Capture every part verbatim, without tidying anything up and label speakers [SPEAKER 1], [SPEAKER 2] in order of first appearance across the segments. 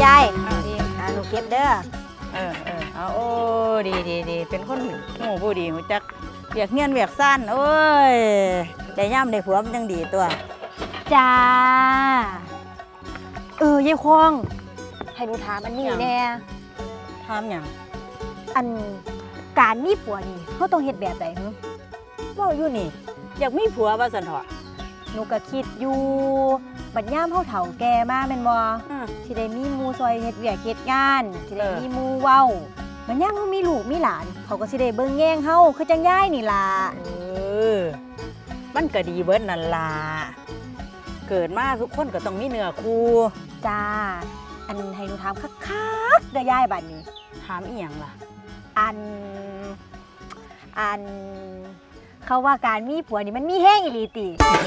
[SPEAKER 1] ยายอ่าหนูเก็บเด้อ
[SPEAKER 2] เออเออเอาโอ้ดีดีดีเป็นคนหูผู้ดีหูจักเวียกเงียนเวียกสั้นโอ้ยได้ย่ำได้ผัวมันยังดีตัว
[SPEAKER 1] จ้าเออยายคองให้หนูถามอันนี้แน่
[SPEAKER 2] ทำอย่าง
[SPEAKER 1] อันการมีผัวนี่เขาต้องเฮ็ดแบบไหนฮึ
[SPEAKER 2] ว่าอยู่นี่อยากมีผัวว่าสันเถาะ
[SPEAKER 1] หนูก็คิดอยู่บัดย่ามเฮาเฒ่าแก่มาแม่นบ่สิได้มีหมู่ซอยเฮ็ดเวียกเฮ็ดงานสิได้มีหมู่เว้าบัดย่ามเฮามีลูกมีหลานเขาก็สิได้เบิ่งแย่งเฮาคือจังยายนี่ล่ะ
[SPEAKER 2] เออมันก็ดีเบิดนั่นล่ะเกิดมาทุกคนก็ต้องมีเนื้อคู่
[SPEAKER 1] จ้าอันให้หนูถามคักๆเด้อยายบัดนี้
[SPEAKER 2] ถามอีหยังล่ะ
[SPEAKER 1] อันอันเขาว่าการมีผัวนี่มันมีแห้งอีหลีติ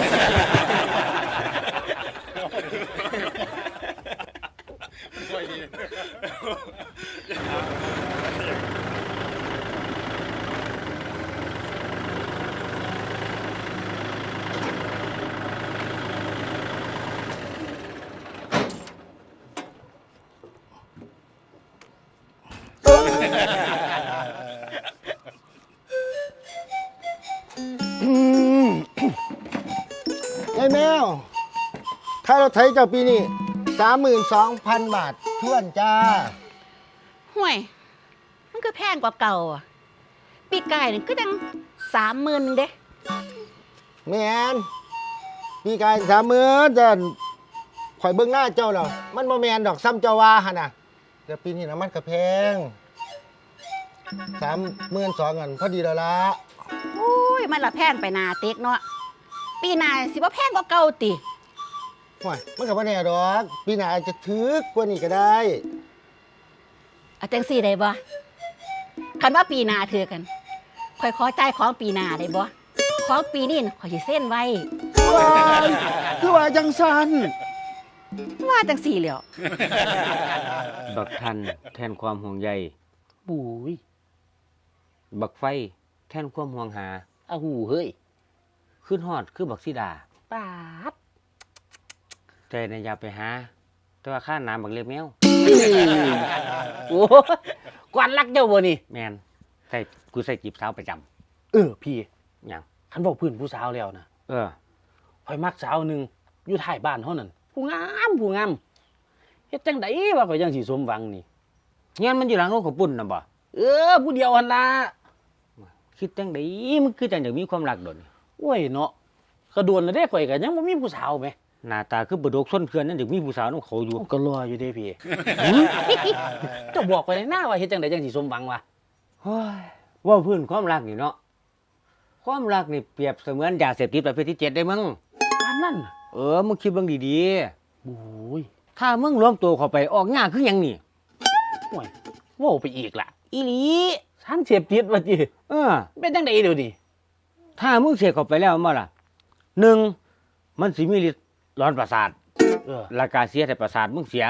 [SPEAKER 3] ยายแมวค่ารถไถเจ้าปีนี้สามหมื่นสองพันบาททวนจ้า
[SPEAKER 4] ห่วยมันก็แพงกว่าเก่าอ่ะปีกายนี่ก็ยังสามหมื่นเด้
[SPEAKER 3] แมนปีกายสามหมื่นจะข่อยเบิ้งหน้าเจ้าแล้วมันบ่แมนดอกซ้ำเจ้าว่าฮะน่ะแต่ปีนี้น้ำมันก็แพงสามหมื่นสองเงินพอดีแล้วละ
[SPEAKER 4] โอ้ยมันละแพงไปนาเต็กเนาะปีหน้าสิบ่แพงกว่าเก่าติ
[SPEAKER 3] ห่วยมันก็บ่แน่ดอกปีหน้าอาจจะถึกกว่านี้ก็ได้
[SPEAKER 4] เอาจังซี่ได้บ่คันว่าปีหน้าถือกันข่อยขอจ่ายของปีหน้าได้บ่ของปีนี้ข่อยสิเซ็นไว้
[SPEAKER 3] ว้ายคือว่าจังซั่น
[SPEAKER 4] ว่าจังซี่แหล้ว
[SPEAKER 5] บักทันแทนความห่วงใย
[SPEAKER 4] บุ้ย
[SPEAKER 5] บักไฟแทนความห่วงหา
[SPEAKER 4] อ้าวหูเฮ้ย
[SPEAKER 5] ขึ้นฮอดคือบักสีดา
[SPEAKER 4] ปาด
[SPEAKER 5] แต่ในอย่าไปหาแต่ว่าข้าน้ำบักเล็บแมว
[SPEAKER 4] โอ้กวนรักเจ้าบ่นี่
[SPEAKER 5] แมนใส่กูใส่จีบสาวประจ
[SPEAKER 6] ำเออพี่
[SPEAKER 5] อย่าง
[SPEAKER 6] คันบอกพื้นผู้สาวแล้วนะ
[SPEAKER 5] เออ
[SPEAKER 6] คอยมักสาวหนึ่งอยู่ท้ายบ้านเท่านั้นผู้งามผู้งามเฮ็ดจังไดว่าข่อยยังสิสมหวังนี่
[SPEAKER 5] เงี้ยมันอยู่หลังโน้ตของปุ่นนะบ่
[SPEAKER 6] เออผู้เดียวหั่นล่ะ
[SPEAKER 5] คิดจังไดมันคือจังอยากมีความรักโดน
[SPEAKER 6] โอ้ยเนาะกระโดนแล้วเด้ข่อยก็ยังบ่มีผู้สาวแหม
[SPEAKER 5] หน้าตาคือบ่ดกส้นเขื่อนนั่นอยากมีผู้สาวนำเขาอยู่
[SPEAKER 6] ก็รออยู่เด้พี่เจ้าบอกไปในหน้าว่าเฮ็ดจังไดจังสิสมหวังวะ
[SPEAKER 5] เฮ้ยว่าพื้นความรักนี่เนาะความรักนี่เปรียบเสมือนยาเสพติดประเภทที่เจ็ดได้มึง
[SPEAKER 6] ปานนั้น
[SPEAKER 5] เออมึงคิดเบิ่งดี
[SPEAKER 6] ๆโอ้ย
[SPEAKER 5] ถ้ามึงรวมตัวเข้าไปออกยากคือหยังนี่
[SPEAKER 6] โอ้ยโว้ไปอีกล่ะ
[SPEAKER 5] อีหลี
[SPEAKER 6] ฉันเสพติดว่าจิ
[SPEAKER 5] เออ
[SPEAKER 6] เป็นจังไดเดี๋ยวนี้
[SPEAKER 5] ถ้ามึงเสพเข้าไปแล้วมาล่ะหนึ่งมันสิมีฤทธิ์ร้อนประสาท
[SPEAKER 6] เออ
[SPEAKER 5] แล้วก็เสียแต่ประสาทมึงเสีย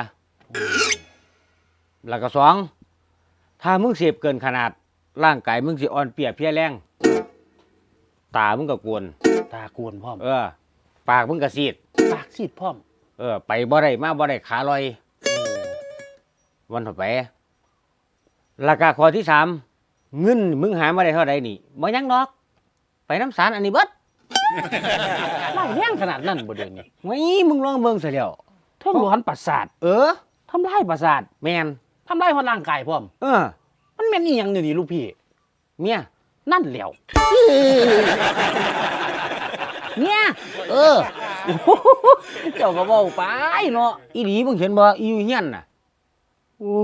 [SPEAKER 5] แล้วก็สองถ้ามึงเสพเกินขนาดร่างกายมึงสิอ่อนเปรียเพลียแรงตามึงก็กวน
[SPEAKER 6] ตากวนพร้อม
[SPEAKER 5] เออปากมึงก็ซีด
[SPEAKER 6] ปากซีดพร้อม
[SPEAKER 5] เออไปบ่ได้มาบ่ได้ขาลอยวันต่อไปราคาข้อที่สามเงินมึงหามาได้เท่าใดนี่บ่ยังดอกไปน้ำสารอันนี้เบิด
[SPEAKER 6] ไล่แรงขนาดนั้นบ่เดี๋ยวนี้
[SPEAKER 5] ไว้มึงลองเบิ่งซะแล้ว
[SPEAKER 6] ทำร้อนประสาท
[SPEAKER 5] เออ
[SPEAKER 6] ทำลายประสาท
[SPEAKER 5] แม่น
[SPEAKER 6] ทำลายฮอดร่างกายพร้อม
[SPEAKER 5] เออ
[SPEAKER 6] มันแม่นอีหยังเดี๋ยวนี้ลูกพี่
[SPEAKER 5] เมีย
[SPEAKER 6] นั่นแหล้ว
[SPEAKER 5] เนี่ยเออ
[SPEAKER 6] เจ้าก็เว้าไปเนาะ
[SPEAKER 5] อีหลีมึงเห็นบ่อีอยู่เฮียนน่ะ
[SPEAKER 6] โอ้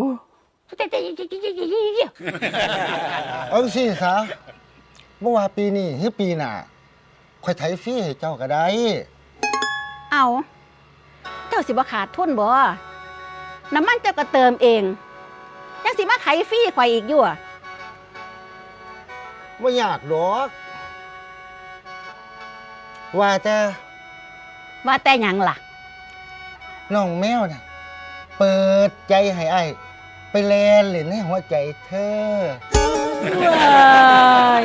[SPEAKER 3] เอาสิซะบ่ว่าปีนี้หรือปีหน้าข่อยไถฟรีให้เจ้าก็ได้
[SPEAKER 4] เอาเจ้าสิบ่ขาดทุนบ่น้ำมันเจ้าก็เติมเองยังสิมาไถฟรีข่อยอีกอยู่
[SPEAKER 3] บ่ยากดอกว่าแต่
[SPEAKER 4] ว่าแต่หยังล่ะ
[SPEAKER 3] น้องแมวน่ะเปิดใจให้อ้ายไปแลนเล่นในหัวใจเธอ
[SPEAKER 4] ว้าย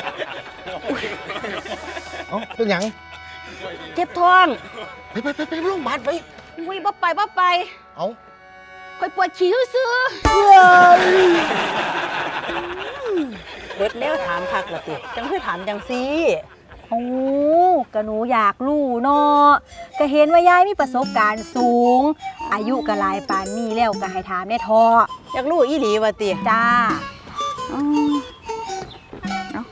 [SPEAKER 3] เอ้าเป็นหยัง
[SPEAKER 4] เจ็บท้อง
[SPEAKER 3] ไปไปไปไปโรงพยาบาลไป
[SPEAKER 4] อุ้ยบ่ไปบ่ไป
[SPEAKER 3] เอ้า
[SPEAKER 4] ข่อยปวดฉี่ซื่อ
[SPEAKER 2] เบิดแล้วถามคักละติจังคือถามจังซี่
[SPEAKER 1] โอ้ก็หนูอยากรู้เนาะก็เห็นว่ายายมีประสบการณ์สูง อายุก็หลายปานนี้แล้วก็ให้ถามแน่ทอ
[SPEAKER 2] อยากรู้อีหลีว่าติ
[SPEAKER 1] จ้า
[SPEAKER 2] อืมเนาะ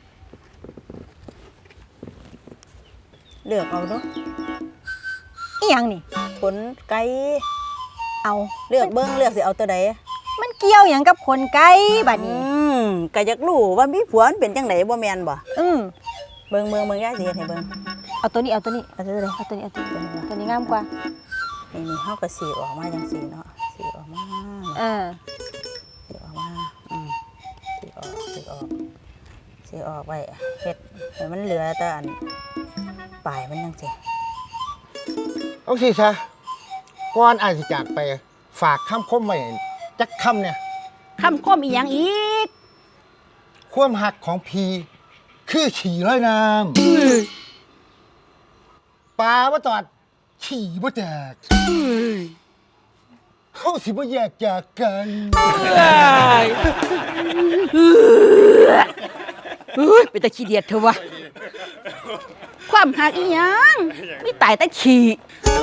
[SPEAKER 2] เลือกเอาเนาะ
[SPEAKER 1] อีหยังนี่
[SPEAKER 2] ขนไก่
[SPEAKER 1] เอา
[SPEAKER 2] เลือกเบิ่งเลือกสิเอาตัวใด
[SPEAKER 1] มันเกี่ยวหยังกับคนไกลบัด
[SPEAKER 2] อื
[SPEAKER 1] นี้
[SPEAKER 2] มก็อยากรู้ว่ามีผัวมันเป็นจังไดบ่แม่นบ่
[SPEAKER 1] อืม
[SPEAKER 2] เบิ่งเบิ่งเบิ่งยายสิเฮ็ดให้เบิ่ง
[SPEAKER 1] เอาตัวนี้เอาตัวนี้
[SPEAKER 2] เอาตัวใด
[SPEAKER 1] เอาตัวนี้เอาตัวนี้ตัวนี้งามกว่า
[SPEAKER 2] นี่นี่เฮาก็สีออกมาจังซี่เนาะสีออกมา
[SPEAKER 1] เออ
[SPEAKER 2] สีออกมาอืมสีออกสีออกสีออกไว้เฮ็ดให้มันเหลือแต่อันปลายมันจังซี่
[SPEAKER 3] เอาสิซะก่อนอายสิจากไปฝากคำคมไว้จักคำเนี่ย
[SPEAKER 4] ๆคำคมอีหยังอีก
[SPEAKER 3] ความหักของพีคือฉี่ร้อยน้ำปลาบ่ตอดฉี่บ่แตกเฮาสิบ่แยกจากกัน
[SPEAKER 4] เฮ้ยเป็นตะขี้เดียดเถอะวะความหักอีหยังมีตายแต่ฉี่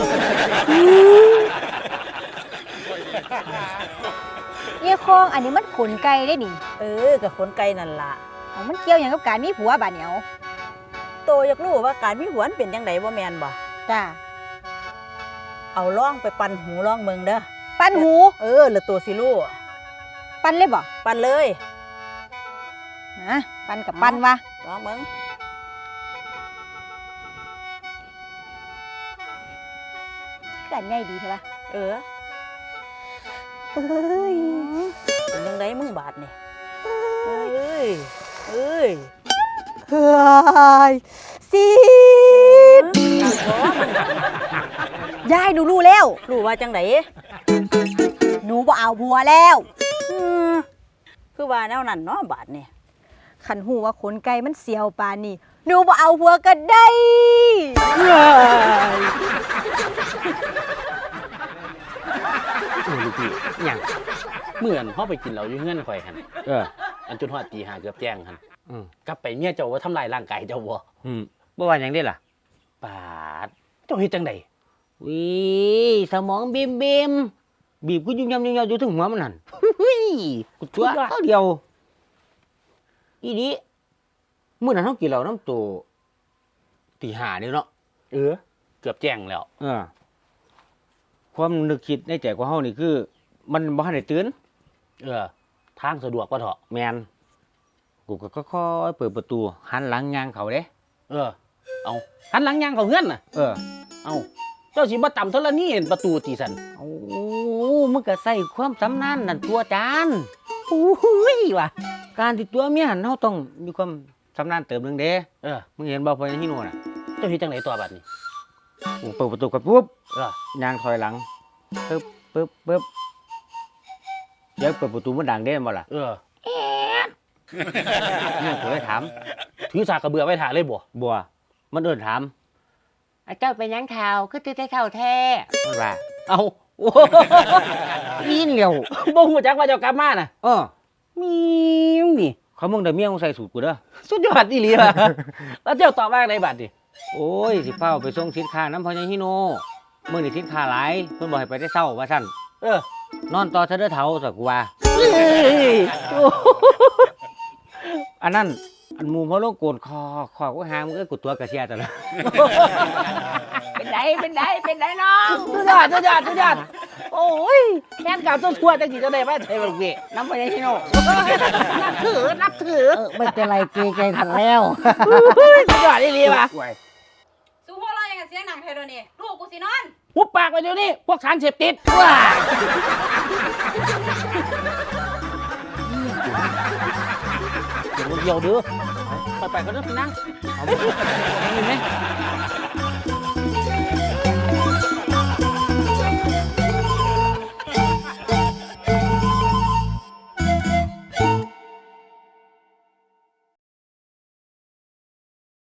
[SPEAKER 1] เยี่ยคองอันนี้มันขนไก่ได้นี่
[SPEAKER 2] เออกับขนไก่นั่นล่ะ
[SPEAKER 1] เอามันเกี่ยวหยังกับการมีผัวบัดเหนียว
[SPEAKER 2] โตอยากรู้ว่าการมีผัวมันเป็นจังไดบ่แม่นบ่
[SPEAKER 1] จ้า
[SPEAKER 2] เอาล่องไปปั่นหูล่องเบิ่งเด้อ
[SPEAKER 1] ปั้นหู
[SPEAKER 2] เออแล้วตัวสิรู้
[SPEAKER 1] ปั้นเลยบ่
[SPEAKER 2] ปั่นเลย
[SPEAKER 1] นะปั้นกับปั้นวะ
[SPEAKER 2] ลองเบิ่ง
[SPEAKER 1] กันง่ายดีใช่ปะ
[SPEAKER 2] เออ
[SPEAKER 1] เฮ้ย
[SPEAKER 2] เป็นจังไดมึงบาดนี่เอ้ยเอ้ย
[SPEAKER 1] เฮ้ยซีดยายหนูรู้แล้ว
[SPEAKER 2] รู้ว่าจังได
[SPEAKER 1] หนูบ่เอาผัวแล้ว
[SPEAKER 2] อือคือว่าแนวนั้นเนาะบาดนี่
[SPEAKER 1] ขันหูว่าขนไก่มันเสียวปานนี่หนูบ่เอาผัวก็ได้
[SPEAKER 6] โอ้ลูกพี่อิหยังเหมือนเฮาไปกินเหล้าอยู่เฮือนข่อยหั่น
[SPEAKER 5] เออ
[SPEAKER 6] อันจนฮอดตีห้าเกือบแจ้งหั่น
[SPEAKER 5] อืม
[SPEAKER 6] กลับไปเมียเจ้าว่าทำลายร่างกายเจ้าบ่
[SPEAKER 5] อืมบ่ว่าหยังได้ล่ะ
[SPEAKER 6] ปาดเจ้าเฮ็ดจังได
[SPEAKER 5] วิสมองบิมบิมบีบกูยุ่งยำยุ่งยำอยู่ถึงหัวมันนั่นเฮ้ยกูตัวเท่าเดียว อีนี้มื้อนั้นเฮากินเหล้าน้ำตัวตีห้านี่เนาะ
[SPEAKER 6] เออ เกือบแจ้งแล้ว
[SPEAKER 5] เออ ความนึกคิดในใจของเฮานี่คือ มันบ่ทันได้ตื่น
[SPEAKER 6] เออ ทางสะดวกบ่เถาะ
[SPEAKER 5] แม่นกูก็ค่อยๆเปิดประตูหันหลังย่างเขาเด้
[SPEAKER 6] เออ เอาหันหลังย่างเข้าเฮือนน่ะ
[SPEAKER 5] เออ
[SPEAKER 6] เอาเจ้าสิบ่ต่ำเท่าละนี่เห็นประตูตีสัน
[SPEAKER 5] โอ้มึงก็ใส่ความสำนานนั่นตัวจาน
[SPEAKER 6] โอ้ยว่ะ
[SPEAKER 5] การที่ตัวเมียหันเฮาต้องมีความสำนานเติมหนึงเด้
[SPEAKER 6] เออ
[SPEAKER 5] มึงเห็นบ่พอยังฮิโน่น่ะ
[SPEAKER 6] เจ้าเฮ็ดจังไดตัวบัดนี้
[SPEAKER 5] กูเปิดประตูกันปุ๊บ
[SPEAKER 6] เออ
[SPEAKER 5] ย่างถอยหลังปึ๊บปึ๊บปึ๊บเดี๋ยวเปิดประตูมันดังเด้บ่ล่ะ
[SPEAKER 6] เออ
[SPEAKER 5] เนี่ยกูเลยถาม
[SPEAKER 6] ถือสากกระเบือไว้ถ่าเลยบ่
[SPEAKER 5] บัวมันเดินถามไอ้เจ้าเป็นหยังข่าวคือตื้อเท่าแท้มันว่า
[SPEAKER 6] เอาโอ้
[SPEAKER 5] อีนเร็ว
[SPEAKER 6] บ่ฮู้จักว่าเจ้ากลับมาน่ะ
[SPEAKER 5] เออ
[SPEAKER 6] มีวนี่
[SPEAKER 5] เขามึงได้เมียมึงใส่สูตรกูเด้อ
[SPEAKER 6] สุดยอดอีหลีว่ะ แล้วเจ้าตอบว่าไงบัดนี้
[SPEAKER 5] โอ้ยสิเฝ้าไปส่งสินค้าน้ำพอยังฮิโน่มึงนี่สินค้าหลายเพิ่นบอกให้ไปได้เศร้าว่าซั่น
[SPEAKER 6] เออน
[SPEAKER 5] อนต่อเธอเด้อเฒ่าสักกูว่า
[SPEAKER 6] เฮ้ยโอ้
[SPEAKER 5] อันนั้นอันหมูเพราะโลกโกนคอคอกูหางมึงเอ้ยกูตัวกระเชียแต่ละ
[SPEAKER 4] เป็นไดเป็นไดเป็นไดน้อง
[SPEAKER 6] สุดยอดสุดยอดสุดยอดโอ้ยแม่นกล่าวตัวทั่วจังสิจะได้มาใช่บ่ลูกพี่
[SPEAKER 5] น้ำพอยังฮิโน่
[SPEAKER 6] นับถือนับถือ
[SPEAKER 5] เออไม่เป็นไรเกรงใจทันแล้ว
[SPEAKER 6] สุดยอดอีหลีว่ะ
[SPEAKER 4] สู้หัวเราะอย่างกับเสียงหนังไทยโดนี่ลูกกูสินอน
[SPEAKER 6] หุบปากไปเดี๋ยวนี้พวกสารเสพติดว้าเดี๋ยวเดี๋ยวเด้อไปไปก็เด้อพี่นาง